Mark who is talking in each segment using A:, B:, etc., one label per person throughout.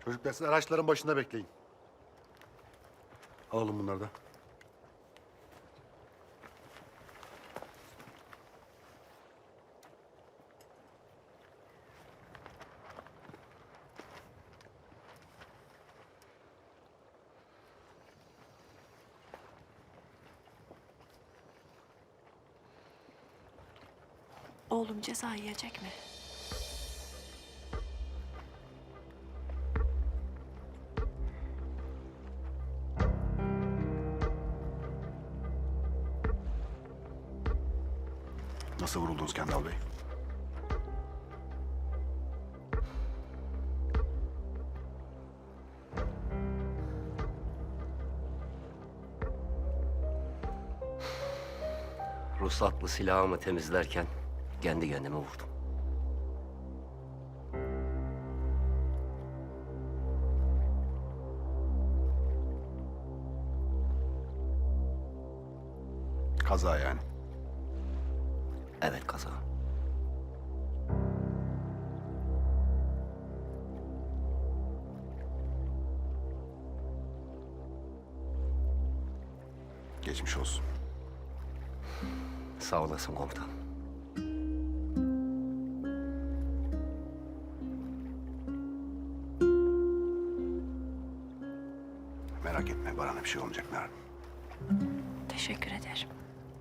A: Çocuklar siz araçların başında bekleyin. Alalım bunları da.
B: Oğlum ceza yiyecek mi?
A: Nasıl vuruldunuz Kendal Bey?
C: Ruhsatlı silahımı temizlerken kendi kendime vurdum.
A: Kaza yani.
C: Evet, kaza.
A: Geçmiş olsun.
C: Sağ olasın komutan.
A: Merak etme, Baran'a bir şey olmayacak Meral.
B: Teşekkür ederim.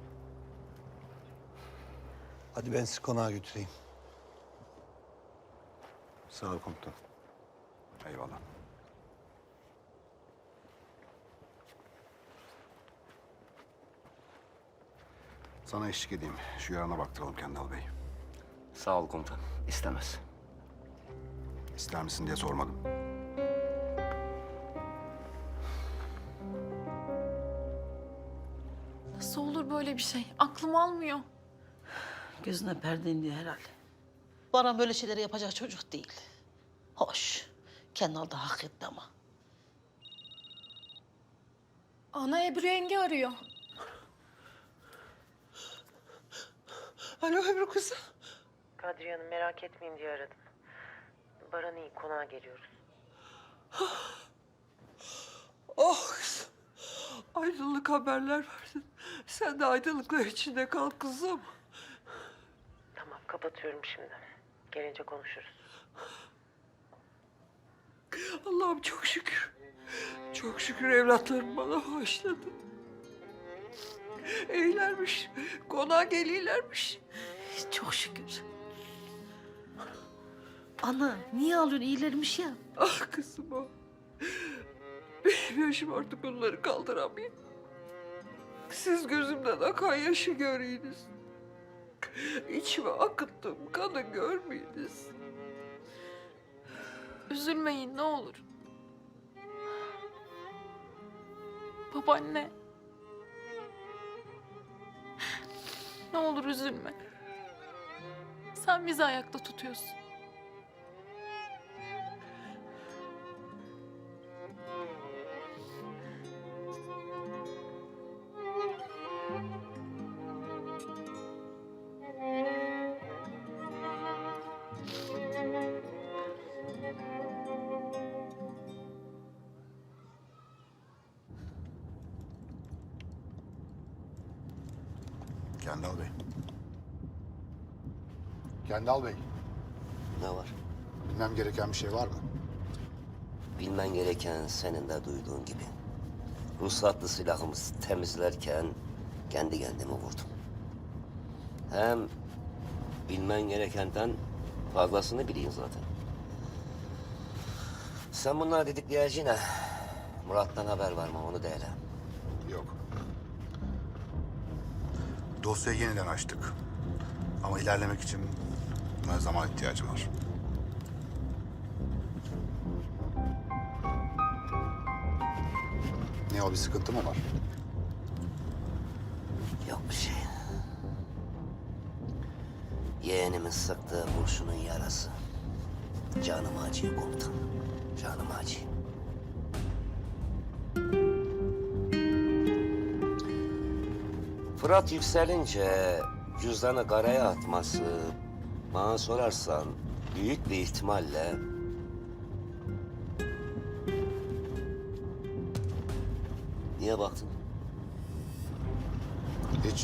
D: Hadi ben sizi konağa götüreyim.
A: Sağ ol komutan. Eyvallah. Sana eşlik edeyim. Şu yarana baktıralım Kendal Bey.
C: Sağ ol komutan. İstemez.
A: İster misin diye sormadım.
E: Nasıl olur böyle bir şey? Aklım almıyor.
F: Gözüne perde indi herhalde. Baran böyle şeyleri yapacak çocuk değil. Hoş. Kendal da hak etti ama.
E: Ana Ebru yenge arıyor.
F: Alo Ebru kızım.
G: Kadriye Hanım merak etmeyin diye aradım. Baran iyi, konağa geliyoruz.
F: Oh kızım. Aydınlık haberler verdin. Sen de aydınlıklar içinde kal kızım.
G: Tamam, kapatıyorum şimdi. Gelince konuşuruz.
F: Allah'ım çok şükür. Çok şükür evlatlarım bana bağışladı. İyilermiş. Konağa geliyorlarmış. Çok şükür. Ana niye ağlıyorsun? İyilermiş ya. Ah kızım o. Benim yaşım artık onları kaldıramıyor. Siz gözümden akan yaşı görüyorsunuz. İçime akıttım kanı görmüyorsunuz.
E: Üzülmeyin ne olur. Babaanne. Ne olur üzülme. Sen bizi ayakta tutuyorsun.
A: Kendal Bey. Kendal Bey,
C: Ne var?
A: bilmem gereken bir şey var mı?
C: Bilmen gereken senin de duyduğun gibi. Ruhsatlı silahımızı temizlerken kendi kendime vurdum. Hem bilmen gerekenden fazlasını bileyim zaten. Sen bunları dedikleyeceğine Murat'tan haber var mı onu de hele.
A: Yok. Dosyayı yeniden açtık. Ama ilerlemek için buna zaman ihtiyacım var. Ne o, bir sıkıntı mı var?
C: Yok bir şey. Yeğenimin sıktığı kurşunun yarası. Canım acıyor komutan. Canım acıyor. Fırat yükselince cüzdanı karaya atması, bana sorarsan büyük bir ihtimalle Niye baktın?
A: Hiç.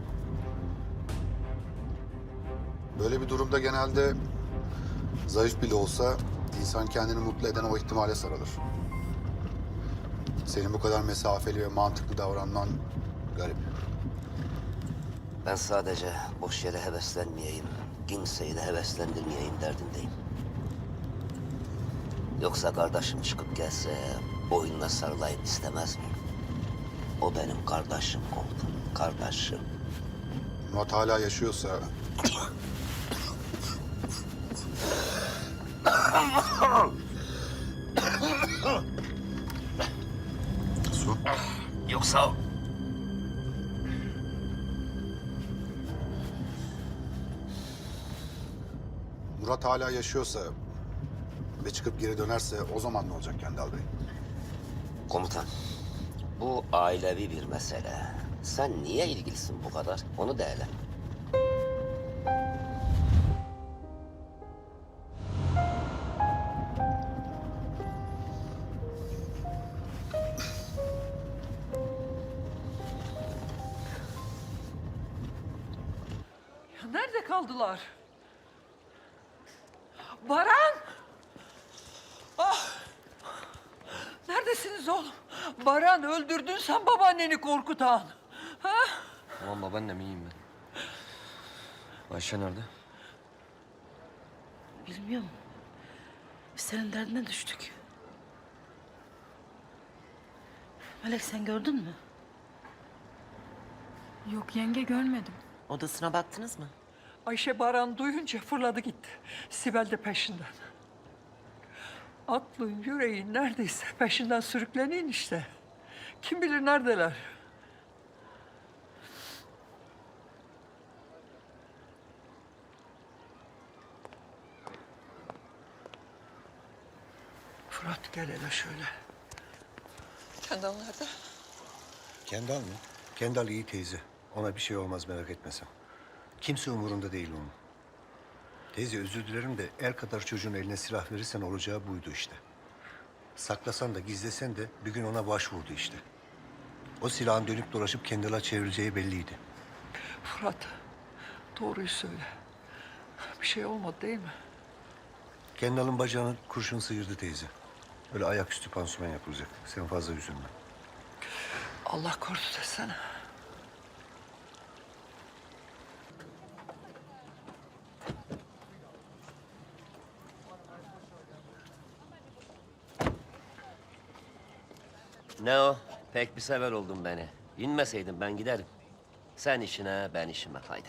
A: Böyle bir durumda genelde zayıf bile olsa insan kendini mutlu eden o ihtimale sarılır. Senin bu kadar mesafeli ve mantıklı davranman garip.
C: Ben sadece boş yere heveslenmeyeyim, kimseyi de heveslendirmeyeyim derdindeyim. Yoksa kardeşim çıkıp gelse boynuna sarılayım istemez miyim? O benim kardeşim komutanım, kardeşim.
A: Murat hala yaşıyorsa... Su.
C: Yoksa
A: Murat hala yaşıyorsa ve çıkıp geri dönerse o zaman ne olacak Kendal Bey?
C: komutan, bu ailevi bir mesele. Sen niye ilgilisin bu kadar? Onu da ele.
F: Ya nerede kaldılar? Baran! Ah! Neredesiniz oğlum? Baran öldürdün sen babaanneni korkutan. Ha?
H: Tamam babaannem iyiyim ben. Ayşe nerede?
I: Bilmiyorum. Biz senin derdine düştük. Melek sen gördün mü?
E: Yok yenge görmedim.
J: Odasına baktınız mı?
F: Ayşe Baran duyunca fırladı gitti. Sibel de peşinden. Aklın yüreğin neredeyse peşinden sürüklenin işte. Kim bilir neredeler? Fırat gel hele şöyle. Kendal nerede?
D: Kendal mı? Kendal iyi teyze. Ona bir şey olmaz merak etme sen. Kimse umurunda değil onun. Teyze özür dilerim de el kadar çocuğun eline silah verirsen olacağı buydu işte. Saklasan da gizlesen de bir gün ona başvurdu işte. O silahın dönüp dolaşıp Kendal'a çevireceği belliydi.
F: Fırat, doğruyu söyle. Bir şey olmadı değil mi?
D: Kendal'ın bacağını kurşun sıyırdı teyze. Öyle ayaküstü pansuman yapılacak. Sen fazla üzülme.
F: Allah korudu desene.
C: Ne o? Pek bir sever oldun beni. İnmeseydin ben giderim. Sen işine, ben işime haydi.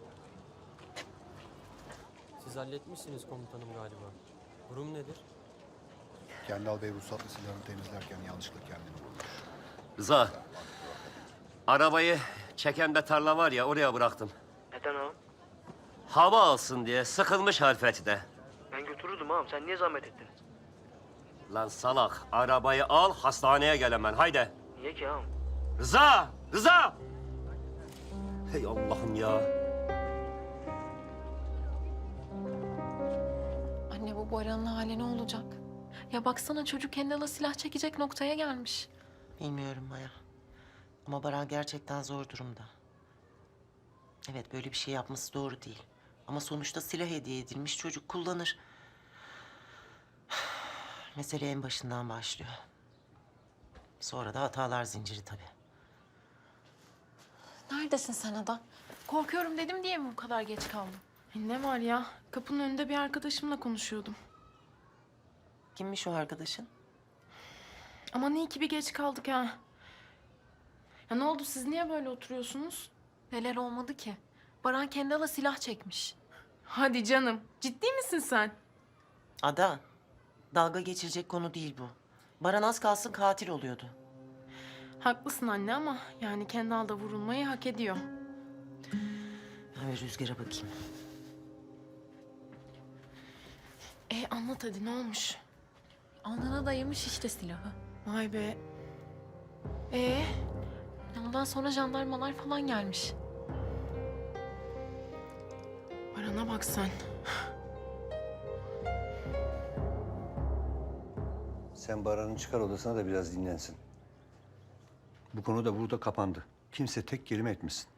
H: Siz halletmişsiniz komutanım galiba. Durum nedir?
A: Kendal Bey ruhsatlı silahını temizlerken yanlışlıkla kendini vurmuş.
C: Rıza, arabayı çekemde tarla var ya oraya bıraktım.
K: Neden ağam?
C: Hava alsın diye sıkılmış harfeti de.
K: Ben götürürdüm ağam. Sen niye zahmet ettin?
C: Lan salak, arabayı al hastaneye gel hemen haydi.
K: Niye ki ağam?
C: Rıza! Rıza! Hey Allah'ım ya.
E: Anne bu Baran'ın hali ne olacak? Ya baksana çocuk Kendal'a silah çekecek noktaya gelmiş.
J: Bilmiyorum Maya. Ama Baran gerçekten zor durumda. Evet böyle bir şey yapması doğru değil. Ama sonuçta silah hediye edilmiş çocuk kullanır. Mesele en başından başlıyor. Sonra da hatalar zinciri tabii.
E: Neredesin sen Ada? Korkuyorum dedim diye mi bu kadar geç kaldın?
L: Ne var ya? Kapının önünde bir arkadaşımla konuşuyordum.
J: Kimmiş o arkadaşın?
L: Aman iyi ki bir geç kaldık ha. Ya ne oldu siz niye böyle oturuyorsunuz?
E: Neler olmadı ki? Baran Kendal'a silah çekmiş.
L: Hadi canım. Ciddi misin sen?
J: Ada, dalga geçirecek konu değil bu. Baran az kalsın katil oluyordu.
L: Haklısın anne ama yani Kendal da vurulmayı hak ediyor.
J: Ben bir Rüzgar'a bakayım.
L: Anlat hadi ne olmuş?
E: Alnına dayamış işte silahı.
L: Vay be.
E: Ondan sonra jandarmalar falan gelmiş.
L: Baran'a bak sen.
D: Sen Baran'ı çıkar odasına da biraz dinlensin. Bu konu da burada kapandı. Kimse tek kelime etmesin.